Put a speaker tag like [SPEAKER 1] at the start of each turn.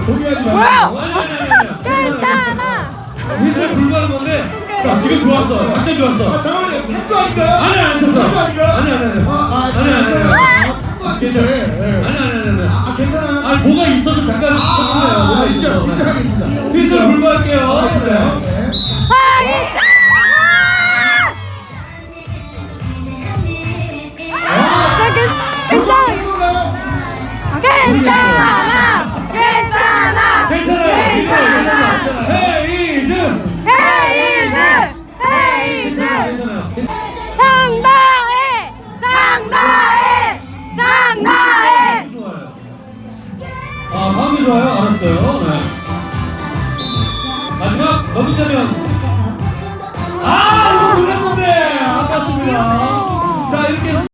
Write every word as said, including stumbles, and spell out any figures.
[SPEAKER 1] 동의하지
[SPEAKER 2] 뭐야?
[SPEAKER 1] 말고.
[SPEAKER 3] 아니 아니 아니 아니.
[SPEAKER 2] 괜찮아.
[SPEAKER 3] 휘슬 불가는 건데. 자 지금 좋았어. 작전
[SPEAKER 1] 아
[SPEAKER 3] 좋았어.
[SPEAKER 1] 잠깐만요. 탐구 아닌가요?
[SPEAKER 3] 아니 아니 쳤어.
[SPEAKER 1] 탐구 아닌가요?
[SPEAKER 3] 아니 아니 아니.
[SPEAKER 1] 아, 아,
[SPEAKER 3] 아니 아니
[SPEAKER 1] 괜찮아요.
[SPEAKER 3] 아니.
[SPEAKER 1] 아, 탐구 아닌데.
[SPEAKER 3] 괜찮아.
[SPEAKER 1] 예.
[SPEAKER 3] 아니 아니 아니 아니.
[SPEAKER 1] 아, 괜찮아요?
[SPEAKER 3] 아니 뭐가 있어서 잠깐
[SPEAKER 1] 아,
[SPEAKER 3] 쳤어요.
[SPEAKER 1] 아,
[SPEAKER 3] 뭐가
[SPEAKER 1] 인정,
[SPEAKER 3] 있어서.
[SPEAKER 1] 인정하겠습니다.
[SPEAKER 3] 휘슬 불가할게요.
[SPEAKER 1] 아, 인정. 네.
[SPEAKER 2] 아, 괜찮아. 자, 괜- 괜찮아.
[SPEAKER 1] 친구가요?
[SPEAKER 2] 괜찮아. 괜찮아.
[SPEAKER 3] 괜찮아요.
[SPEAKER 2] 괜찮아.
[SPEAKER 3] 헤이즈.
[SPEAKER 2] 헤이즈. 헤이즈.
[SPEAKER 3] 괜찮아요.
[SPEAKER 2] 장다해. 장다해. 장다해.
[SPEAKER 3] 좋아요. 아, 마음이 좋아요. 알았어요. 네. 마지막 넘긴다면